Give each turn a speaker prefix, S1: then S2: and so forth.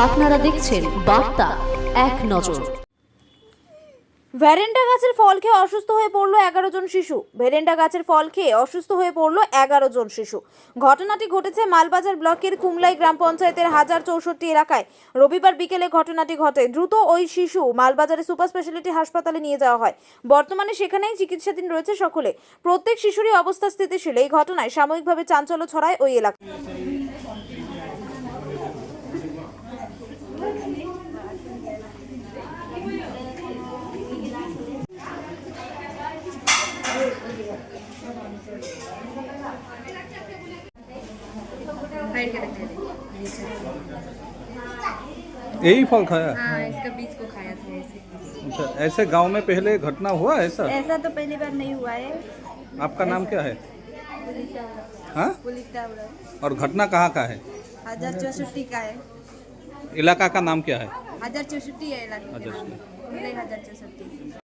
S1: আপনারা দেখছেন বার্তা এক নজর।
S2: ভ্যারেন্টা গাছের ফল খেয়ে অসুস্থ হয়ে পড়ল 11 জন শিশু। ভ্যারেন্টা গাছের ফল খেয়ে অসুস্থ হয়ে পড়ল 11 জন শিশু। ঘটনাটি ঘটেছে মালবাজার ব্লকের কুমলাই গ্রাম পঞ্চায়েতের 1064 এলাকায়। রবিবার বিকেলে ঘটনাটি ঘটে। দ্রুত ওই শিশু মালবাজারে সুপার স্পেশালিটি হাসপাতালে নিয়ে যাওয়া হয়। বর্তমানে সেখানেই চিকিৎসাধীন রয়েছে সকলে। প্রত্যেক শিশুরই অবস্থা স্থিতিশীল। এই ঘটনায় সাময়িকভাবে চাঞ্চল্য ছড়ায় ওই এলাকায়।
S3: यही फल खाया?
S4: हाँ, इसका बीज को खाया था ऐसे।
S3: अच्छा, ऐसे गांव में पहले घटना हुआ ऐसा?
S4: ऐसा तो पहली बार नहीं हुआ है।
S3: आपका नाम क्या है?
S4: पुलिता
S3: हाँ?
S4: उड़ा
S3: और घटना कहाँ का है?
S4: 1064 का है।
S3: इलाका का नाम क्या है?
S4: 1064 है इलाके का
S3: अच्छा,
S4: नाम। 1064।